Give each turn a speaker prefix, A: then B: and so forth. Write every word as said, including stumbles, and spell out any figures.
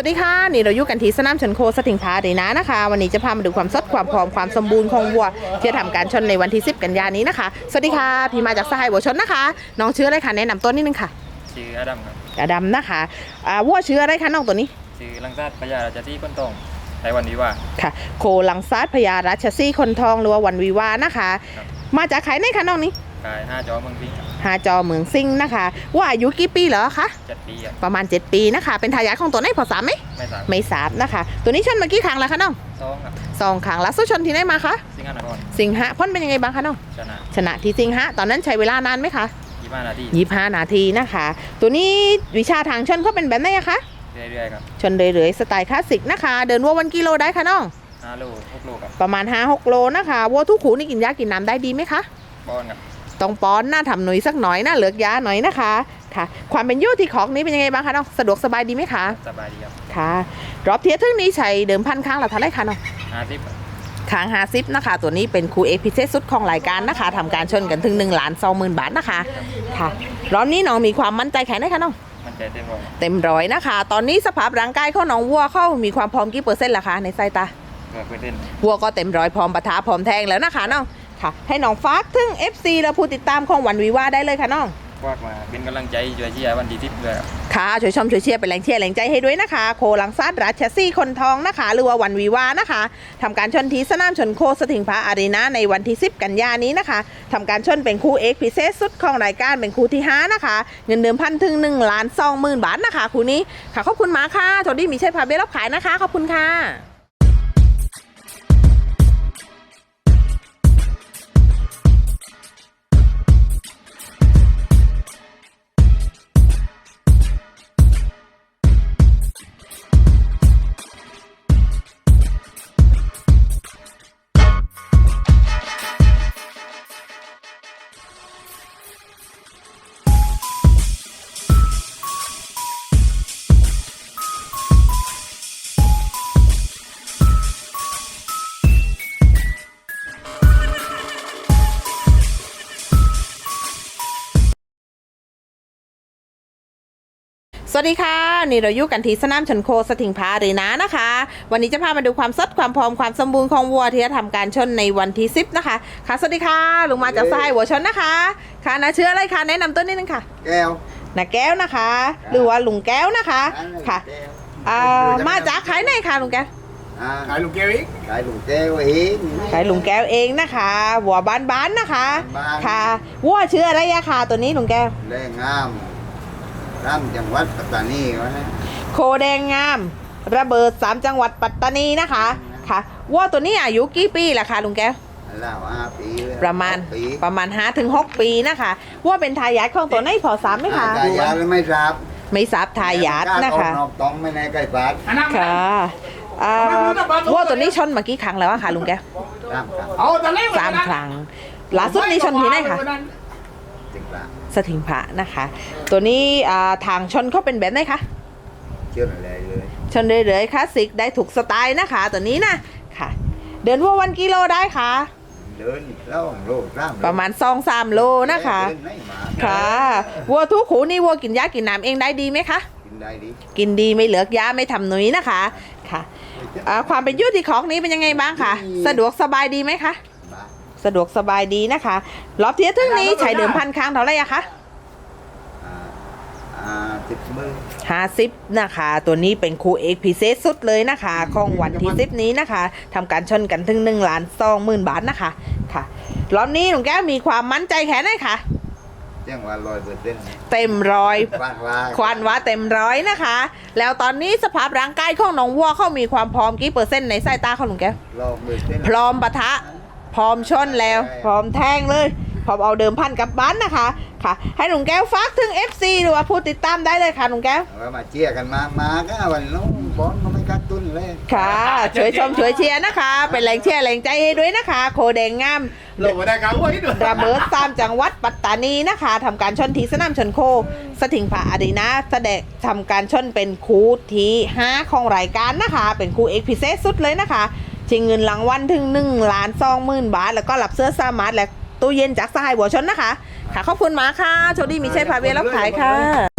A: สดีค่ะนี่เราอยู่กันที่สนามชนโคสถิงพาดีนะนะคะวันนี้จะพามาดูความสดความพร้อมความสมบูรณ์ของวัวที่จะทำการชนในวันที่สิบกันยายนนี้นะคะสวัสดีค่ะพี่มาจากสหายวัวชนนะคะน้องชื่ออะไรคะแนะนำตัวนิดนึงค่ะ
B: ชื่ออดัมครับ
A: อดัมนะคะอ่าวัวชื่ออะไรคะน้องตัวนี้
B: ชื่อลังซาดพญาราชที่คนตรงในวันวิวา
A: ค่ะโคลังซาดพญาราชซี่คนทองหรือว่าวันวิวานะคะมาจากใครในคะน้องนี้
B: ขายห้าจอเมืองพิง
A: หาจอเมืองซิงนะคะว่าอายุกี่ปีเหรอคะ
B: เจ็ดปี
A: ประมาณเจ็ดปีนะคะเป็นทายาทของตัวไหนพอสามไหม
B: ไม่สาม
A: ไม่สามนะคะตัวนี้ชนมากี่ครั้งแล้วคะน้อง
B: สองครับ
A: สองครั้งแล้วสู้ชนที่ไหนมาคะ
B: สิงหานคร
A: สิงหะพ้นเป็นยังไงบ้างคะน้อง
B: ชนะ
A: ชนะที่สิงหะตอนนั้นใช้เวลานานไหมคะ
B: ยี่ห้านาที
A: ยี่ห้านาทีนะคะตัวนี้วิชาทางชนเขาเป็นแบบไหนอะคะ
B: เรื่อยๆครับ
A: ชนเรื่อยๆสไตล์คลาสสิกนะคะเดินวัววันกิโลได้คะน้อง
B: ห้าโลหกโลครับ
A: ประมาณห้าหกโลนะคะวัวทุกขูนี่กินยากินน้ำได้ดีไหมคะ
B: บอลครับ
A: ต้องป้อนหน้าทำหน่อยสักหน่อยหน้าเหลือกยาหน่อยนะคะค่ะความเป็นยู่ที่ของนี้เป็นยังไงบ้างคะน้องสะดวกสบายดีไหมคะ
B: สบายดีครับ
A: ค่ะรอบเทียร์ทึ่งนี้ใช้เดิมพันครั้งละเท่าไรคะน้อง
B: ห้าสิบ
A: ครั้งห้าสิบนะคะตัวนี้เป็นคูเอกพิเศษสุดของรายการนะคะทำการชนกันถึงหนึ่งล้านสองหมื่นบาทนะคะค่ะรอบนี้น้องมีความมั่นใจแค่ไหนคะน้อง
B: มั่นใจเต็มร้อย
A: เต็มร้อยนะคะตอนนี้สภาพร่างกายของน้องวัวเข้ามีความพร้อมกี่เปอร์เซ็นต์ล่ะคะในสายตาวัวก็เต็มร้อยพร้อมปะทะพร้อมแทงแล้วนะคะน้องค่ะให้น้องฟากถึง เอฟ ซี และผู้ติดตามของวันวิวาได้เลยค่ะน้อง
B: ฟากมาเป็นกำลังใจช่วยเชียร์วันที่สิบเลย
A: ค่ะช่วยชมช่วยเชียร์เป็นแรงเชียร์แรงใจให้ด้วยนะคะโคลังซาดราชซี่คนทองนะคะหรือว่าวันวิวานะคะทำการชนที่สนามชนโคสถิงพาอารีนาในวันที่สิบกันยายนนี้นะคะทำการชนเป็นคู่เอกพิเศษสุดของรายการเป็นคู่ที่ห้านะคะเงินเดิมพันถึงหนึ่งล้านสองหมื่นบาทนะคะคู่นี้ค่ะขอบคุณมาค่ะโทดี้มีชัยพาเบลรับขายนะคะขอบคุณค่ะสวัสดีค่ะนี่เราอยู่กันที่สนามชนโคสถิงพาอารีนานะคะวันนี้จะพามาดูความสดความพร้อมความสมบูรณ์ของวัวที่จะทำการชนในวันที่สิบนะคะค่ะสวัสดีค่ะลุงมาจากสหายวัวชนนะคะค่ะนะชื่ออะไรคะแนะนำตัวนิดนึงค่ะ
C: แก้ว
A: นะแก้วนะคะหรือว่าลุงแก้วนะคะค่ะอ่ามาจากขายไหนคะลุงแก้ว
C: ขายลุงแก้วเองขายลุงแก้วเอง
A: ขายลุงแก้วเองนะคะวัวบ้านๆนะคะค่ะวัวชื่ออะไรอะคะตัวนี้ลุงแก้ว
C: แรงงามร่ำจังหวัดปัตตานีวะนะ
A: โคแดงงามระเบิดสามจังหวัดปัตตานีนะคะค่ะวัวตัวนี้อายุกี่ปีล่ะคะลุงแก้ว
C: แล้วห้าปี
A: ประมาณประมาณห้าถึงหกปีนะคะวัวเป็นทายาทของตัวไหนพอสามไหมคะ
C: ทายาทไม่ทราบ
A: ไม่ทราบทายาทนะคะ
C: ต้องไม่ในใกล้ปาด
A: ค่ะวัวตัวนี้ชนมากี่ครั้งแล้วคะลุงแก้วสามครั้งล่าสุดนี้ชนที่ไหนคะสถิงพระนะคะตัวนี้ทางชนเขาเป็นแบบไหนคะ
C: ชนเลยเลย
A: ชนเลยๆคลาสสิกได้ถูกสไตล์นะคะตัวนี้นะค่ะเดินวัววันกิโลได้ค่ะ
C: เดินแล้วโล
A: ประมาณสองสามโลนะคะค่ะวัวทุกขูนี่วัวกินยากินน้ำเองได้ดีไหมคะ
C: กินได้ดี
A: กินดีไม่เหลือกยาไม่ทำหนุยนะคะค่ะความเป็นยุติของนี้เป็นยังไงบ้างคะสะดวกสบายดีไหมคะสะดวกสบายดีนะคะรอบเทียร์ทึ่งนี้ใช้เดิมพันครั้งเท่าไหร่อะคะห้าสิบนะคะตัวนี้เป็นคู่เอกพิเศษสุดเลยนะคะของวันที่สิบนี้นะคะทำการชนกันถึงหนึ่งล้านสองหมื่นบาทนะคะค่ะรอบนี้หนุ่มแก้วมีความมั่นใจแค่ไหนคะ
C: เต็มร้อยเปอร์เซ็นต์
A: เต็มร้อยควันว่าเต็มร้อยนะคะแล้วตอนนี้สภาพร่างกายของน้องวัวเขามีความพร้อมกี่เปอร์เซ็นต์ในสายตาของหนุ่มแก้วพร้อมปะทะพร้อมชนแล้วพร้อมแทงเลยพร้อมเอาเดิมพันกับบ้านนะคะค่ะให้หนุ่มแก้วฝากถึง เอฟ ซี หรือว่าผู้ติดตามได้เลยค่ะหนุ่มแก้ว
C: มาเชียร์กันมามาก็วันนู้นบอลก็ไม่กักตุนเลย
A: ค่ะช่วยชมช่วยเชียร์นะคะเป็นแรงเชียร์แรงใจให้ด้วยนะคะโคแดงงาม
C: ลงมาได้ครับ
A: ระเบิดตามจังหวัดปัตตานีนะคะทำการชนที่สนามชนโคสถิงพาอารีนาแสดงทำการชนเป็นคู่ที่ห้าของรายการนะคะเป็นคู่เอกพิเศษสุดเลยนะคะชิงเงินรางวัลถึงหนึ่งล้านสองหมื่นบาทแล้วก็รับเสื้อสามัญและตู้เย็นจากสหายวัวชนนะคะค่ะขอบคุณมากค่ะโชคดีมีชัยพาเวลรับขายค่ะ